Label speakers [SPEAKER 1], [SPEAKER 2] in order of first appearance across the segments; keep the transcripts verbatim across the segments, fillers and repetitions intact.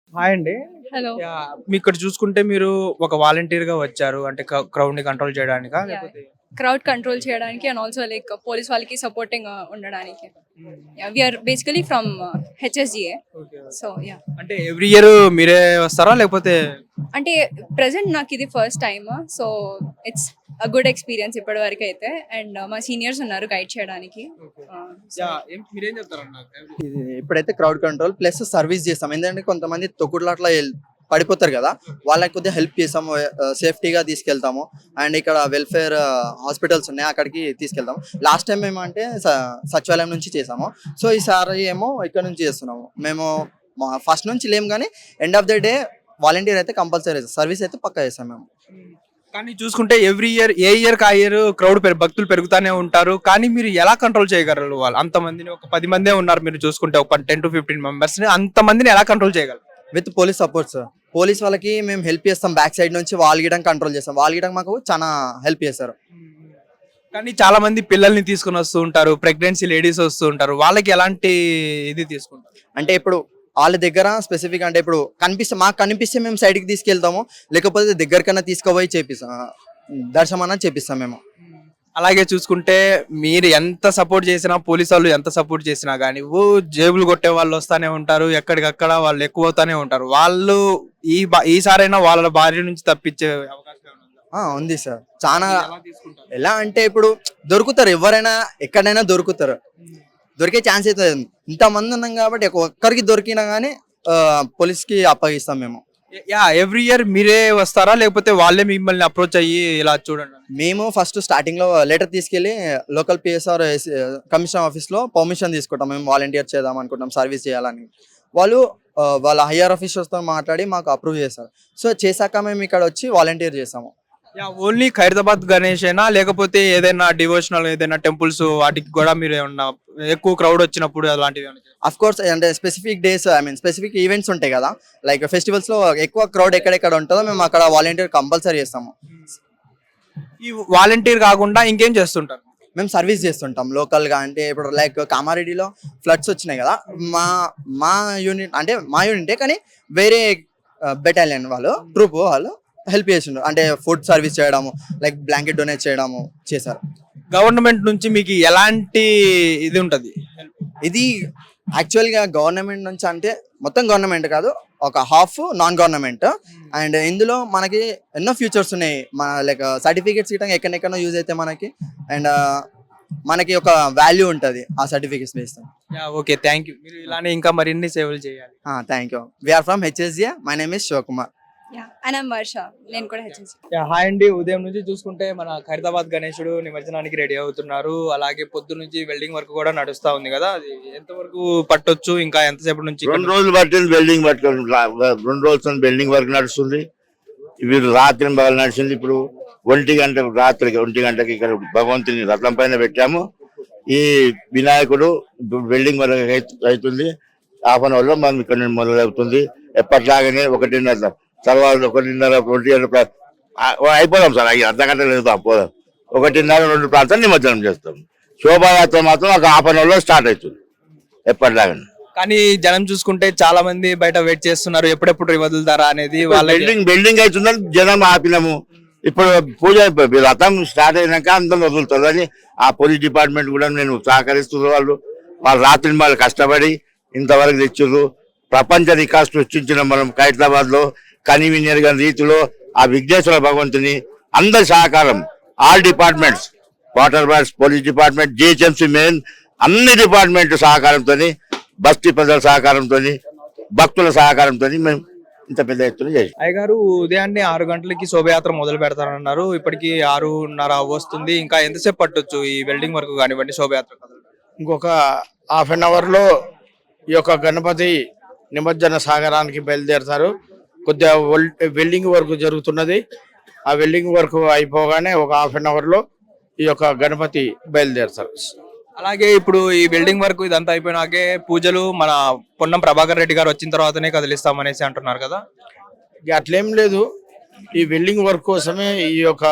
[SPEAKER 1] Hi అండి.
[SPEAKER 2] Hello.
[SPEAKER 1] Yeah! మీక్కడ చూసుకుంటే మీరు ఒక వాలంటీర్‌గా వచ్చారు. అంటే క క్రౌడ్‌ని కంట్రోల్ చేయడానికా?
[SPEAKER 2] యాహ్!
[SPEAKER 1] లేకపోతే
[SPEAKER 2] క్రౌడ్ కంట్రోల్ చేయడానికి అండ్ ఆల్సో లైక్ పోలీస్ వాళ్ళకి సపోర్టింగ్‌గా ఉండడానికి.
[SPEAKER 1] Hmm.
[SPEAKER 2] Yeah! We are basically from HSGA.
[SPEAKER 1] Okay. Okay.
[SPEAKER 2] So yeah!
[SPEAKER 1] అంటే ఎవ్రీ ఇయర్ మీరే వస్తారా? లేకపోతే
[SPEAKER 2] అంటే ప్రెజెంట్ నాకు ఇది first time. So it's uh good experience ఇప్పటివరకు అయితే. అండ్ మా సీనియర్స్ ఉన్నారు గైడ్ చేయడానికి.
[SPEAKER 1] ఓకే.
[SPEAKER 2] ఆహ్, సో
[SPEAKER 1] యాహ్! ఏం మీరేం చెప్తారన్న?
[SPEAKER 3] ఇది ఇప్పుడైతే క్రౌడ్ కంట్రోల్ ప్లస్ సర్వీస్ చేస్తాం. ఎందుకంటే కొంతమంది తొక్కుడులాట్ల ఎల్ పడిపోతారు కదా! వాళ్ళకి కొద్దిగా హెల్ప్ చేస్తాము. ఆహ్, సేఫ్టీగా తీసుకెళ్తాము. అండ్ ఇక్కడ వెల్‌ఫేర్ హాస్పిటల్స్ ఉన్నాయి. అక్కడికి తీసుకెళ్తాము. లాస్ట్ టైం ఏమంటే స సచివాలయం నుంచి చేసాము. సో ఈసారి ఏమో ఇక్కడ నుంచి చేస్తున్నాము. మేము మా ఫస్ట్ నుంచి లేము గానీ end of the day volunteer అయితే కంపల్సరీ సర్వీస్ అయితే పక్కా చేస్తాం మేము.
[SPEAKER 1] హ్మ్. కానీ చూసుకుంటే ఎవ్రీ ఇయర్ ఏ ఇయర్‌కి ఆ ఇయర్ క్రౌడ్ పెరు భక్తులు పెరుగుతానే ఉంటారు. కానీ మీరు ఎలా కంట్రోల్ చేయగలరు వాళ్ళు? అంతమందిని ఒక పది మందే ఉన్నారు మీరు చూసుకుంటే ఒక పది పదిహేను మెంబర్స్‌ని అంతమందిని ఎలా కంట్రోల్ చేయగలరు?
[SPEAKER 3] With police support sir. Police వాళ్ళకి మేము హెల్ప్ చేస్తాం. బ్యాక్ సైడ్ నుంచి వాల్ గీయడం కంట్రోల్ చేస్తాం. వాల్ గీయడం మాకు చాలా హెల్ప్ చేస్తారు.
[SPEAKER 1] కానీ చాలా మంది పిల్లల్ని తీసుకొని వస్తూ ఉంటారు. ప్రెగ్నెన్సీ లేడీస్ వస్తూ ఉంటారు. వాళ్ళకి ఎలాంటి ఇది తీసుకుంటారు?
[SPEAKER 3] అంటే ఇప్పుడు వాళ్ళ దగ్గర స్పెసిఫిక్ అంటే ఇప్పుడు కనిపిస్తే మాకు కనిపిస్తే మేము సైడ్కి తీసుకెళ్తాము. లేకపోతే దగ్గరకన్నా తీసుకుపోయి చేపిస్తాం. దర్శనం అన్నా చేపిస్తాం మేము.
[SPEAKER 1] అలాగే చూసుకుంటే మీరు ఎంత సపోర్ట్ చేసినా పోలీసు వాళ్ళు ఎంత సపోర్ట్ చేసినా కానీ ఓ జేబులు కొట్టే వాళ్ళు వస్తానే ఉంటారు. ఎక్కడికక్కడ వాళ్ళు ఎక్కువ అవుతానే ఉంటారు. వాళ్ళు ఈ బా- ఈసారైనా వాళ్ళ భార్య నుంచి తప్పించే అవకాశం ఏమైనా ఉందా?
[SPEAKER 3] ఆ, ఉంది సార్. చాలా
[SPEAKER 1] ఎలా తీసుకుంటారు?
[SPEAKER 3] ఎలా అంటే ఇప్పుడు దొరుకుతారు. ఎవరైనా ఎక్కడైనా దొరుకుతారు. దొరికే ఛాన్స్ అయితే ఉంది. ఇంతమంది ఉన్నాం కాబట్టి ఒక్కరికి దొరికినా కానీ పోలీస్కి అప్పగిస్తాం మేము.
[SPEAKER 1] యా ఎవ్రీ ఇయర్ మీరే వస్తారా లేకపోతే వాళ్ళే మిమ్మల్ని అప్రోచ్ అయ్యి ఇలా చూడండి అని?
[SPEAKER 3] మేము ఫస్ట్ స్టార్టింగ్ లో లెటర్ తీసుకెళ్లి లోకల్ పిఎస్ఆర్ కమిషనర్ ఆఫీస్ లో పర్మిషన్ తీసుకుంటాం. మేము వాలంటీర్ చేద్దాం అనుకుంటాం, సర్వీస్ చేయాలని. వాళ్ళు ఆ, వాళ్ళ హయ్యర్ ఆఫీసర్స్ తో మాట్లాడి మాకు అప్రూవ్ చేస్తారు. సో చేశాక మేము ఇక్కడ వచ్చి వాలంటీర్ చేస్తాము.
[SPEAKER 1] యా ఓన్లీ ఖైరతాబాద్ గణేష్ అయినా లేకపోతే ఏదైనా డివోషనల్ ఏదైనా టెంపుల్స్ వాటికి కూడా మీరు ఏమన్నా ఎక్కువ క్రౌడ్ వచ్చినప్పుడు అలాంటివి ఏమన్నా చేస్తారా?
[SPEAKER 3] అఫ్ కోర్స్ అంటే specific days I mean specific events ఉంటాయి కదా, లైక్ ఫెస్టివల్స్ లో ఎక్కువ క్రౌడ్ ఎక్కడెక్కడ ఉంటుందో మేము అక్కడ వాలంటీర్ కంపల్సరీ చేస్తాము.
[SPEAKER 1] ఈ వాలంటీర్ కాకుండా ఇంకేం చేస్తుంటారు?
[SPEAKER 3] మేము సర్వీస్ చేస్తుంటాం లోకల్ గా. అంటే ఇప్పుడు లైక్ కామారెడ్డిలో ఫ్లడ్స్ వచ్చినాయి కదా, మా మా యూనిట్ అంటే మా యూనిటే కానీ వేరే బెటాలియన్ వాళ్ళు ట్రూప్ వాళ్ళు హెల్ప్ చేసిండ్రు. అంటే ఫుడ్ సర్వీస్ చేయడము, లైక్ బ్లాంకెట్ డొనేట్ చేయడము చేశారు.
[SPEAKER 1] గవర్నమెంట్ నుంచి మీకు ఎలాంటి ఇది ఉంటది?
[SPEAKER 3] ఇది యాక్చువల్గా గవర్నమెంట్ నుంచి అంటే మొత్తం గవర్నమెంట్ కాదు, ఒక హాఫ్ నాన్ గవర్నమెంట్. అండ్ ఇందులో మనకి ఎన్నో ఫ్యూచర్స్ ఉన్నాయి. మన లైక్ సర్టిఫికేట్స్ ఇవ్వడం ఎక్కడెక్కడో యూజ్ అయితే మనకి. అండ్ మనకి ఒక వాల్యూ ఉంటుంది ఆ certificates based.
[SPEAKER 1] Yeah okay thank you. మీరు ఇలానే ఇంకా మరిన్ని సేవలు చేయాలి.
[SPEAKER 3] Thank you. We are from HSGA. My name is Shivakumar.
[SPEAKER 2] Yeah! And I am Varsha. నేను కూడా హెచ్ఎస్‌జి.
[SPEAKER 1] యా హాయ్ అండి. ఉదయం నుంచి చూసుకుంటే మన ఖైరతాబాద్ గణేశుడు నిమజ్జనానికి రెడీ అవుతున్నారు. అలాగే పొద్దు నుంచి వెల్డింగ్ వర్క్ కూడా నడుస్తా ఉంది కదా, అది ఎంతవరకు పట్టొచ్చు? ఇంకా ఎంతసేపు నుంచి ఇక్కడ
[SPEAKER 4] రెండు రోజులు పట్టింది వెల్డింగ్ పట్టుకొని రెండు రోజులు వెల్డింగ్ వర్క్ నడుస్తుంది. ఇవి రాత్రి పగలు నడిచింది. ఇప్పుడు ఒంటి గంట రాత్రికి ఒంటి గంటకి ఇక్కడ భగవంతుని రథం పైన పెట్టాము. ఈ వినాయకుడు వెల్డింగ్ వర్క్ అవుతుంది. హాఫ్ అన్ అవర్ లో మనం ఇక్కడ నుండి మొదలవుతుంది. ఎప్పటిలాగానే ఒకటిన్నర తర్వాత ఒకటిన్నర ఒంటి గంట ప్రా- ఆ- అయిపోదాం సార్. అయ్యి అర్ధ గంట లేదు పోదాం. ఒకటిన్నర రెండు ప్రాంతాలు నిమజ్జనం చేస్తాం. శోభాయాత్ర మాత్రం ఒక హాఫ్ అన్ అవర్ లో స్టార్ట్ అవుతుంది ఎప్పటిలాగానే.
[SPEAKER 1] కానీ జనం చూసుకుంటే చాలా మంది బయట వెయిట్ చేస్తున్నారు ఎప్పుడెప్పుడు వదులుతారా అనేది. వాళ్ళ
[SPEAKER 4] బిల్డింగ్ బిల్డింగ్ అవుతుందని జనం ఆపినాము. ఇప్పుడు పూజ అయిపోయి రథం స్టార్ట్ అయినాక అందరం వదులుతుందని ఆ పోలీస్ డిపార్ట్మెంట్ కూడా నేను సహకరిస్తున్నారు. వాళ్ళు వాళ్ళు రాత్రి వాళ్ళు కష్టపడి ఇంతవరకు తెచ్చారు. ప్రపంచ రికార్డు సృష్టించిన మనం ఖైరతాబాద్ లో కన్వీనియర్ గా రీతిలో ఆ విఘ్నేశ్వర భగవంతుని అందరి సహకారం, all departments, water works, police department, GHMC main అన్ని డిపార్ట్మెంట్ సహకారంతో, బస్తీ ప్రజల సహకారంతో, భక్తుల సహకారంతో మేము ఇంత పెద్ద ఎత్తున చేసి.
[SPEAKER 1] అయ్యగారు ఉదయాన్నే ఆరు గంటలకి శోభయాత్ర మొదలు పెడతారన్నారు. ఇప్పటికి ఆరున్నర వస్తుంది. ఇంకా ఎంతసేపు పట్టొచ్చు ఈ వెల్డింగ్ వర్క్ కానివ్వండి, శోభయాత్ర కదలడం?
[SPEAKER 5] ఇంకొక హాఫ్ అన్ అవర్లో ఈ యొక్క గణపతి నిమజ్జన సాగరానికి బయలుదేరుతారు. కొద్దిగా వెల్డింగ్ వర్క్ జరుగుతున్నది. ఆ వెల్డింగ్ వర్క్ అయిపోగానే ఒక హాఫ్ అన్ అవర్లో ఈ యొక్క గణపతి బయలుదేరుతారు.
[SPEAKER 1] అలాగే ఇప్పుడు ఈ వెల్డింగ్ వర్క్ ఇదంతా అయిపోయినాకే పూజలు మన పొన్నం ప్రభాకర్ రెడ్డి గారు వచ్చిన తర్వాతనే కదిలిస్తామనేసి అంటున్నారు కదా.
[SPEAKER 5] ఇక అట్లేం లేదు, ఈ వెల్డింగ్ వర్క్ కోసమే ఈ యొక్క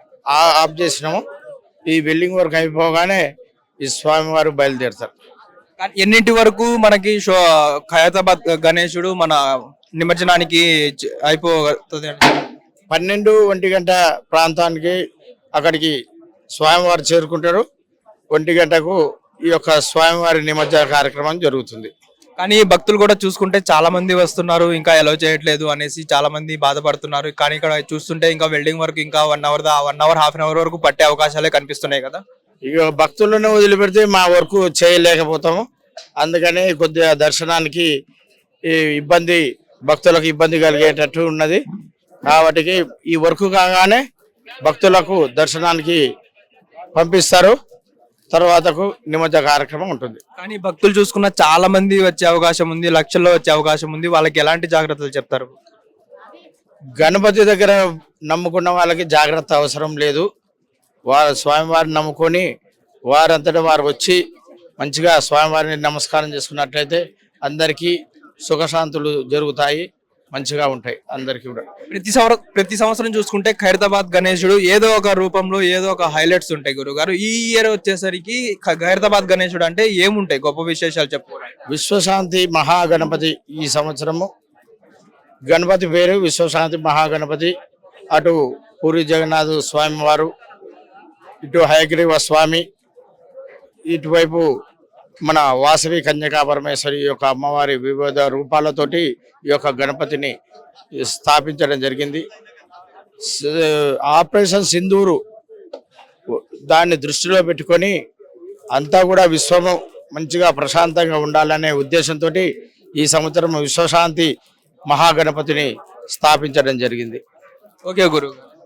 [SPEAKER 5] ఆ- ఆఫ్ చేసినాము. ఈ వెల్డింగ్ వర్క్ అయిపోగానే ఈ స్వామివారు బయలుదేరుతారు.
[SPEAKER 1] కానీ ఎన్నింటి వరకు మనకి షో ఖైరతాబాద్ గణేశుడు మన నిమజ్జనానికి చ- అయిపోతుంది అని?
[SPEAKER 5] పన్నెండు ఒంటి గంట ప్రాంతానికి అక్కడికి స్వామివారు చేరుకుంటారు. ఒంటి గంటకు ఈ యొక్క స్వామివారి నిమజ్జన కార్యక్రమం జరుగుతుంది.
[SPEAKER 1] కానీ భక్తులు కూడా చూసుకుంటే చాలా మంది వస్తున్నారు, ఇంకా ఎలో చేయట్లేదు అనేసి చాలా మంది బాధపడుతున్నారు. కానీ ఇక్కడ చూస్తుంటే ఇంకా వెల్డింగ్ వరకు ఇంకా వన్ అవర్ దా one hour half an hour వరకు పట్టే అవకాశాలే కనిపిస్తున్నాయి కదా.
[SPEAKER 5] ఇక భక్తులను వదిలిపెడితే మా వరకు చేయలేకపోతాము. అందుకని కొద్దిగా దర్శనానికి ఈ ఇబ్బంది, భక్తులకు ఇబ్బంది కలిగేటట్టు ఉన్నది. కాబట్టి ఈ వర్క్ కాగానే భక్తులకు దర్శనానికి పంపిస్తారు. తర్వాతకు నిమజ్జన కార్యక్రమం ఉంటుంది.
[SPEAKER 1] కానీ భక్తులు చూసుకున్న చాలా మంది వచ్చే అవకాశం ఉంది, లక్షల్లో వచ్చే అవకాశం ఉంది. వాళ్ళకి ఎలాంటి జాగ్రత్తలు చెప్తారు?
[SPEAKER 5] గణపతి దగ్గర నమ్ముకున్న వాళ్ళకి జాగ్రత్త అవసరం లేదు. వారు స్వామివారిని నమ్ముకొని వారంతటా వారు వచ్చి మంచిగా స్వామివారిని నమస్కారం చేసుకున్నట్లయితే అందరికీ సుఖశాంతులు జరుగుతాయి, మంచిగా ఉంటాయి అందరికీ కూడా.
[SPEAKER 1] ప్రతి సంవత్సరం ప్రతి సంవత్సరం చూసుకుంటే ఖైరతాబాద్ గణేశుడు ఏదో ఒక రూపంలో ఏదో ఒక హైలైట్స్ ఉంటాయి గురుగారు. ఈ ఇయర్ వచ్చేసరికి ఖ- ఖైరతాబాద్ గణేశుడు అంటే ఏముంటాయి గొప్ప విశేషాలు చెప్పుకోవాలి?
[SPEAKER 5] విశ్వశాంతి మహాగణపతి ఈ సంవత్సరము గణపతి పేరు విశ్వశాంతి మహాగణపతి. అటు పూరి జగన్నాథ్ స్వామి వారు, ఇటు హయగ్రీవ స్వామి, ఇటువైపు మన వాసవి కన్యకా పరమేశ్వరి యొక్క అమ్మవారి వివిధ రూపాలతోటి ఈ యొక్క గణపతిని స్థాపించడం జరిగింది. స- ఆపరేషన్ సింధూరు దాన్ని దృష్టిలో పెట్టుకొని అంతా కూడా విశ్వము మంచిగా ప్రశాంతంగా ఉండాలనే ఉద్దేశంతో ఈ సంవత్సరం విశ్వశాంతి మహాగణపతిని స్థాపించడం జరిగింది.
[SPEAKER 1] ఓకే గురు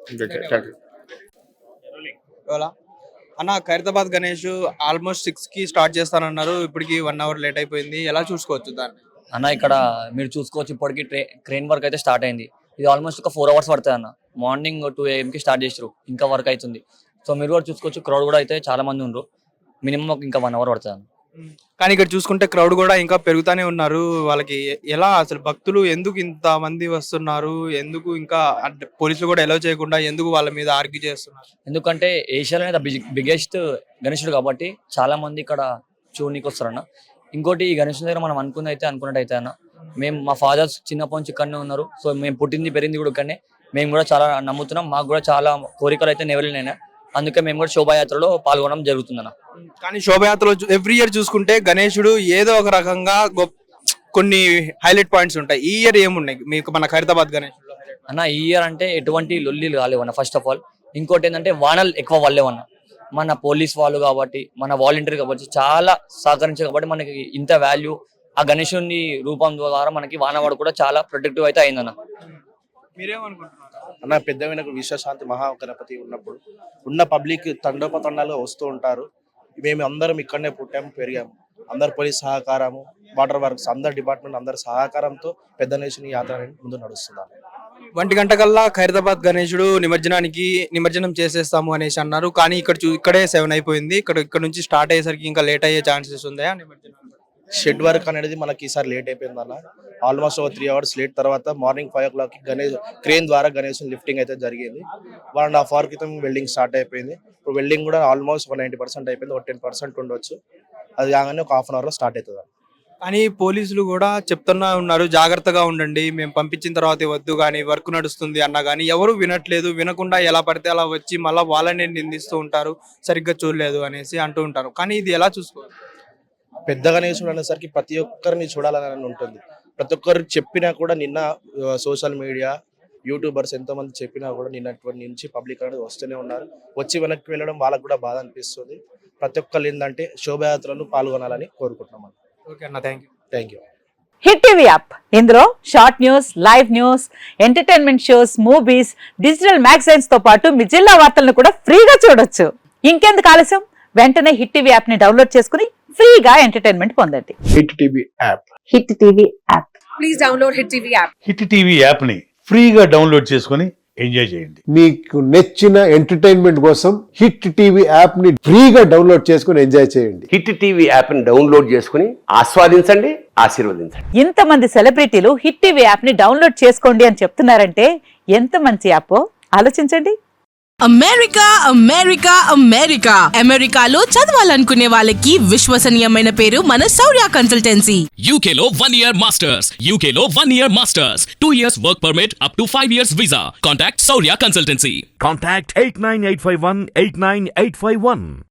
[SPEAKER 1] అన్న, ఖైరతాబాద్ గణేష్ ఆల్మోస్ట్ సిక్స్ కి స్టార్ట్ చేస్తానన్నారు, ఇప్పటికి వన్ అవర్ లేట్ అయిపోయింది. ఎలా చూసుకోవచ్చు దాన్ని?
[SPEAKER 6] అన్న ఇక్కడ మీరు చూసుకోవచ్చు, ఇప్పటికి ట్రే క్రెయిన్ వర్క్ అయితే స్టార్ట్ అయింది. ఇది ఆల్మోస్ట్ ఒక ఫోర్ అవర్స్ పడుతుంది అన్న. మార్నింగ్ టూ ఏఎంకి స్టార్ట్ చేసారు, ఇంకా వర్క్ అవుతుంది. సో మీరు కూడా చూసుకోవచ్చు, క్రౌడ్ కూడా అయితే చాలా మంది ఉన్నారు. మినిమం ఒక ఇంకా వన్ అవర్ పడుతుంది అన్న.
[SPEAKER 1] కానీ ఇక్కడ చూసుకుంటే క్రౌడ్ కూడా ఇంకా పెరుగుతానే ఉన్నారు. వాళ్ళకి ఎ- ఎలా అసలు భక్తులు ఎందుకు ఇంత మంది వస్తున్నారు, ఎందుకు ఇంకా అంటే పోలీసులు కూడా ఎలో చేయకుండా ఎందుకు వాళ్ళ మీద ఆర్గ్యూ చేస్తున్నారు?
[SPEAKER 6] ఎందుకంటే ఏషియాలోనే ద బిగ్గెస్ట్ గణేశుడు కాబట్టి చాలా మంది ఇక్కడ చూడనీకి వస్తారన్న. ఇంకోటి ఈ గణేశుని దగ్గర మనం అనుకున్నది అయితే అనుకున్నట్టు అయితే అన్న, మేము మా ఫాదర్స్ చిన్నప్పటి నుంచి ఇక్కడనే ఉన్నారు. సో మేము పుట్టింది పెరిగింది కూడా ఇక్కడనే. మేము కూడా చాలా నమ్ముతున్నాం, మాకు కూడా చాలా కోరికలు అయితే నెరవేరినాయి. అందుకే మేము కూడా శోభాయాత్రలో పాల్గొనడం జరుగుతుందన్న.
[SPEAKER 1] కానీ శోభయాత్రలో ఎవ్రీ ఇయర్ చూసుకుంటే గణేశుడు ఏదో ఒక రకంగా గొప్ప కొన్ని హైలైట్ పాయింట్స్ ఉంటాయి. ఈ ఇయర్ ఏమున్నాయి మీకు మన ఖైరతాబాద్ గణేశుడు?
[SPEAKER 6] అన్న ఈ ఇయర్ అంటే ఎటువంటి లొల్లీలు కాలేవన్న. ఫస్ట్ ఆఫ్ ఆల్ ఇంకోటి ఏంటంటే వానలు ఎక్కువ పడలేవన్న. మన పోలీస్ వాళ్ళు కాబట్టి, మన వాలంటీర్ కాబట్టి చాలా సహకరించారు కాబట్టి మనకి ఇంత వాల్యూ ఆ గణేశుని రూపం ద్వారా మనకి వానవాడు కూడా చాలా ప్రొటెక్టివ్ అయితే అయిందన్న.
[SPEAKER 1] మీరేమనుకుంటున్నారు?
[SPEAKER 7] అన్న పెద్ద వినకు విశ్వశాంతి మహాగణపతి ఉన్నప్పుడు ఉన్న పబ్లిక్ తండోపతండాలుగా వస్తూ ఉంటారు. మేము అందరం ఇక్కడనే పుట్టాము, పెరిగాము. అందరు పోలీస్ సహకారము, వాటర్ వర్క్స్, అందరు డిపార్ట్మెంట్ అందరి సహకారంతో పెద్ద నేషన్ యాత్ర అనేది ముందు నడుస్తున్నారు.
[SPEAKER 1] ఒంటి గంట కల్లా ఖైరతాబాద్ గణేశుడు నిమజ్జనానికి నిమజ్జనం చేసేస్తాము అనేసి అన్నారు. కానీ ఇక్కడ చూ ఇక్కడే సెవెన్ అయిపోయింది. ఇక్కడ ఇక్కడ నుంచి స్టార్ట్ అయ్యేసరికి ఇంకా లేట్ అయ్యే ఛాన్సెస్ ఉన్నాయా నిమజ్జనం?
[SPEAKER 7] షెడ్ వర్క్ అనేది మనకి ఈసారి లేట్ అయిపోయింది అన్న. ఆల్మోస్ట్ ఒక త్రీ అవర్స్ లేట్ తర్వాత morning five o'clock Ganesh crane ద్వారా గణేష్ లిఫ్టింగ్ అయితే జరిగింది. వన్ అండ్ హాఫ్ అవర్ క్రితం వెల్డింగ్ స్టార్ట్ అయిపోయింది. ఇప్పుడు వెల్డింగ్ కూడా ఆల్మోస్ట్ ఒక నైంటీ పర్సెంట్ అయిపోయింది, ఒక టెన్ పర్సెంట్ ఉండొచ్చు. అది కాగానే ఒక హాఫ్ అన్ అవర్ లో స్టార్ట్ అవుతుంది.
[SPEAKER 1] కానీ పోలీసులు కూడా చెప్తున్నా ఉన్నారు, జాగ్రత్తగా ఉండండి, మేము పంపించిన తర్వాత వద్దు కానీ వర్క్ నడుస్తుంది అన్నా కానీ ఎవరు వినట్లేదు. వినకుండా ఎలా పడితే అలా వచ్చి మళ్ళీ వాళ్ళని నిందిస్తూ ఉంటారు, సరిగ్గా చూడలేదు అనేసి అంటూ ఉంటారు. కానీ ఇది ఎలా చూసుకోవాలి?
[SPEAKER 7] పెద్ద గణేశుడు అనేసరికి ప్రతి ఒక్కరిని చూడాలని ఉంటుంది. ప్రతి ఒక్కరికి చెప్పినా కూడా నిన్న సోషల్ మీడియా యూట్యూబర్స్ ఎంతో మంది చెప్పినా కూడా నిన్నటువంటి నుంచి పబ్లిక్ అనేది వస్తూనే ఉన్నారు. వచ్చి వెనక్కి వెళ్ళడం వాళ్ళకు కూడా బాధ అనిపిస్తుంది. ప్రతి ఒక్కరు ఏంటంటే శోభయాత్రలు పాల్గొనాలని కోరుకుంటున్నాం.
[SPEAKER 1] ఓకే అన్న, thank you.
[SPEAKER 7] Thank you.
[SPEAKER 8] Hit TV app, ఇందులో short news, live news, entertainment shows, movies, digital magazines తో పాటు మీ జిల్లా వార్తలను కూడా ఫ్రీగా చూడొచ్చు. ఇంకెందుకు ఆలస్యం, వెంటనే హిట్ టీవీ యాప్ ని డౌన్లోడ్ చేసుకుని ఫ్రీగా ఎంటర్టైన్మెంట్ పొందండి.
[SPEAKER 5] Hit TV app
[SPEAKER 8] hit TV app.
[SPEAKER 2] Please download hit TV app.
[SPEAKER 9] Hit TV యాప్ని ఫ్రీగా డౌన్లోడ్ చేసుకొని ఎంజాయ్ చేయండి.
[SPEAKER 10] మీకు నచ్చిన ఎంటర్టైన్మెంట్ కోసం హిట్ టీవీ యాప్ ని ఫ్రీగా డౌన్లోడ్ చేసుకుని ఎంజాయ్ చేయండి.
[SPEAKER 11] హిట్ టీవీ యాప్ ని డౌన్లోడ్ చేసుకుని ఆస్వాదించండి, ఆశీర్వదించండి.
[SPEAKER 8] ఇంతమంది సెలబ్రిటీలు హిట్ టీవీ యాప్ ని డౌన్లోడ్ చేసుకోండి అని చెప్తున్నారంటే ఎంత మంచి యాప్ ఆలోచించండి.
[SPEAKER 12] అమెరికా అమెరికా అమెరికా అమెరికాలో చదవాలనుకునే వాళ్ళకి విశ్వసనీయమైన పేరు మన శౌర్య కన్సల్టెన్సీ.
[SPEAKER 13] యూకేలో వన్ ఇయర్ మాస్టర్స్ యూకేలో one year masters two years work permit up to five years visa. Contact Shaurya consultancy.
[SPEAKER 14] Contact eight nine eight five one eight nine eight five one.